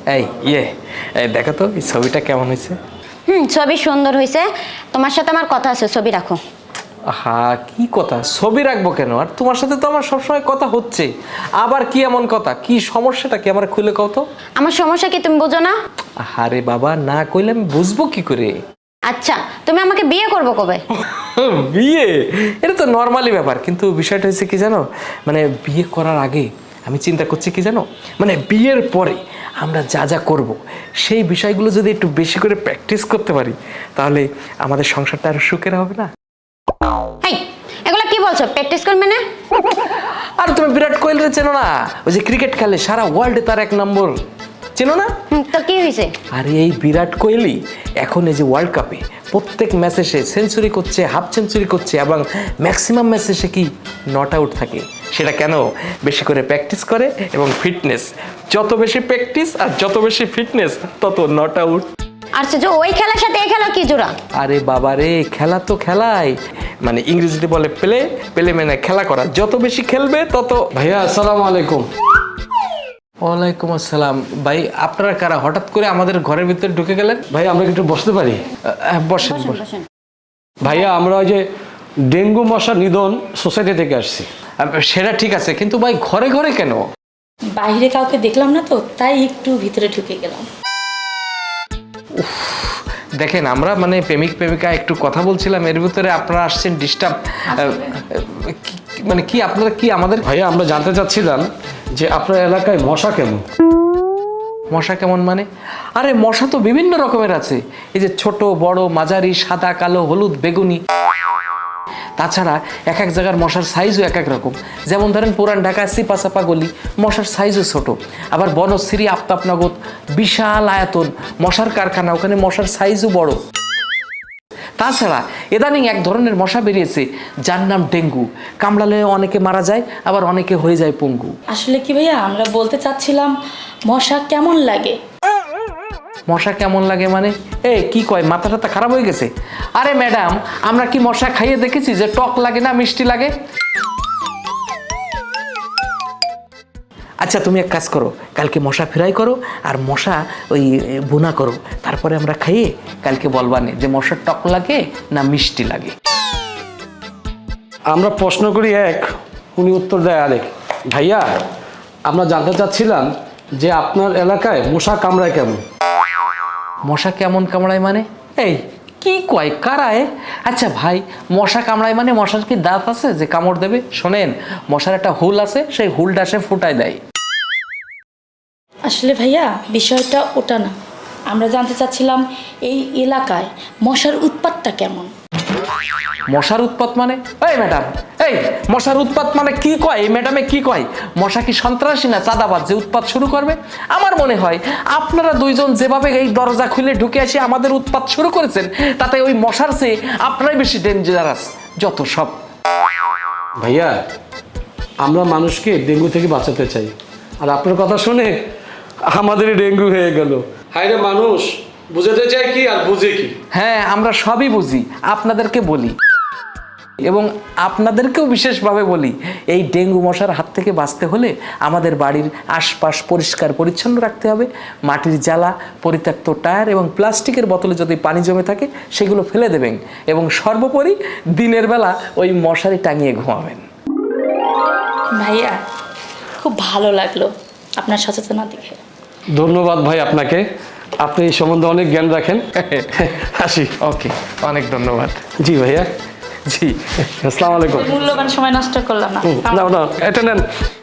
এই এই দেখো তো এই ছবিটা কেমন হয়েছে? ছবি সুন্দর হয়েছে। তোমার সাথে আমার কথা আছে, ছবি রাখো। হ্যাঁ, কি কথা? ছবি রাখবো কেন? আর তোমার সাথে তো আমার সবসময় কথা হচ্ছে। আবার কি এমন কথা? কি সমস্যাটা কি আমার খুলে কও তো। আমার সমস্যা কি তুমি বোঝো না? আরে বাবা, না কইলে আমি বুঝবো কি করে? আচ্ছা, তুমি আমাকে বিয়ে করবো কবে? বিয়ে? এটা তো নর্মালি ব্যাপার, কিন্তু বিষয়টা হচ্ছে কি জানো, মানে বিয়ে করার আগে আমি চিন্তা করছি কি জানো, মানে বিয়ের পরে আমরা যা যা করব সেই বিষয়গুলো যদি একটু বেশি করে প্র্যাকটিস করতে পারি, তাহলে আমাদের সংসারটা আরো সুখের হবে না? এই এগুলো কি বলছো? প্র্যাকটিস করবে না? আর তুমি বিরাট কোহলির চেনো না? ওই যে ক্রিকেট খেলে, সারা ওয়ার্ল্ডে তার 1 নম্বর, চেনো না? তো কি হয়েছে? আরে এই বিরাট কোহলি এখন এই যে ওয়ার্ল্ড কাপে প্রত্যেক ম্যাচে সে সেঞ্চুরি করছে, হাফ সেঞ্চুরি করছে, এবং ম্যাক্সিমাম ম্যাচে সে কি নট আউট থাকে। সেটা কেন? বেশি করে প্র্যাকটিস করে এবং ফিটনেস। যত বেশি প্র্যাকটিস আর যত বেশি ফিটনেস, তত নট আউট। আর সে যে ওই খেলার সাথে এই খেলা কি জোড়া? আরে বাবা রে, খেলা তো খেলাই, মানে ইংরেজিতে বলে প্লে, প্লে মানে খেলা করা। যত বেশি খেলবে তত। ভাইয়া আসসালামু আলাইকুম। ওয়ালাইকুম আসসালাম। ভাই, আপনারা কারা? হঠাৎ করে আমাদের ঘরের ভিতরে ঢুকে গেলেন? ভাই আমরা কি একটু বসতে পারি? বসেন বসেন। বসেন। ভাইয়া আমরা ওই যে ডেঙ্গু মশা নিধন সোসাইটি থেকে আসছি। সেটা ঠিক আছে, কিন্তু ভাই ঘরে ঘরে কেন? বাইরে কাউকে দেখলাম না তো, তাই একটু ভিতরে ঢুকে গেলাম। দেখেন, আমরা মানে প্রেমিক প্রেমিকা একটু কথা বলছিলাম, এর ভিতরে আপনারা আসছেন ডিস্টার্ব। মানে কি আপনারা কি আমাদের? ভাইয়া আমরা জানতে চাচ্ছিলাম যে আপনার এলাকায় মশা কেমন? মশা কেমন মানে? আরে মশা তো বিভিন্ন রকমের আছে। এই যে ছোট, বড়, মাঝারি, সাদা, কালো, হলুদ, বেগুনি। তাছাড়া এক এক জায়গার মশার সাইজও এক এক রকম। যেমন ধরেন পুরান ঢাকা সিপাচাপা গলি, মশার সাইজও ছোট। আবার বনশ্রী, আফতাবনগর, বিশাল আয়তন মশার কারখানা, ওখানে মশার সাইজও বড়। তাছাড়া ইদানিং এক ধরনের মশা বেরিয়েছে যার নাম ডেঙ্গু। কামড়ালে অনেকে মারা যায়, আবার অনেকে হয়ে যায় পঙ্গু। আসলে কি ভাইয়া, আমরা বলতে চাচ্ছিলাম মশা কেমন লাগে। মশা কেমন লাগে মানে? কি কয়, মাথা টাথা খারাপ হয়ে গেছে? আরে ম্যাডাম, আমরা কি মশা খাইয়ে দেখেছি যে টক লাগে না মিষ্টি লাগে? আচ্ছা, তুমি এক কাজ করো, কালকে মশা ফ্রাই করো আর মশা ওই ভুনা করো, তারপরে আমরা খাইয়ে কালকে বলবানে যে মশা টক লাগে না মিষ্টি লাগে। আমরা প্রশ্ন করি এক, উনি উত্তর দেয় আরেক। ভাইয়া আমরা জানতে চাচ্ছিলাম যে আপনার এলাকায় মশা কামড়ায় কেমন? মশা কেমন কামড়ায় মানে? কি কয় কারায়? আচ্ছা ভাই, মশা কামড়ায় মানে মশার কি দাঁত আছে যে কামড় দেবে? শোনেন, মশার একটা হুল আছে, সেই হুলটা সে ফুটায় দেয়। আসলে ভাইয়া বিষয়টা ওটা না, আমরা জানতে চাচ্ছিলাম এই এলাকায় মশার উৎপাতটা কেমন। মশার উৎপাত মানে? ম্যাডাম, মশার উৎপাত মানে কি কয় এই ম্যাডামে? কি কয়? মশা কি সন্ত্রাসী না চাঁদাবাজ যে উৎপাত শুরু করবে? আমার মনে হয় আপনারা দুইজন যেভাবে এই দরজা খুলে ঢুকে এসে আমাদের উৎপাত শুরু করেছেন, তাতে ওই মশার চেয়ে আপনারাই বেশি ডেঞ্জারাস যত সব। ভাইয়া আমরা মানুষকে ডেঙ্গু থেকে বাঁচাতে চাই, আর আপনার কথা শুনে আমাদেরই ডেঙ্গু হয়ে গেল। হায় রে মানুষ, বুঝাতে চাই কি আর বুঝে কি? হ্যাঁ, আমরা সবই বুঝি, আপনাদেরকে বলি এবং আপনাদেরকেও বিশেষভাবে বলি, এই ডেঙ্গু মশার হাত থেকে বাঁচতে হলে আমাদের বাড়ির আশপাশ পরিষ্কার পরিচ্ছন্ন রাখতে হবে। মাটির জ্বালা, পরিত্যক্ত টায়ার এবং প্লাস্টিকের বোতলে যদি পানি জমে থাকে সেগুলো ফেলে দেবেন, এবং সর্বোপরি দিনের বেলা ওই মশারি টাঙিয়ে ঘুমাবেন। ভাইয়া খুব ভালো লাগলো আপনার সচেতনতা দেখে। ধন্যবাদ ভাই আপনাকে, আপনি এই সম্বন্ধে অনেক জ্ঞান রাখেন। আসি। ওকে, অনেক ধন্যবাদ। জি ভাইয়া। জি, আসসালামু আলাইকুম। মূল্যবান সময় নষ্ট করলাম না। না, এটা নেন।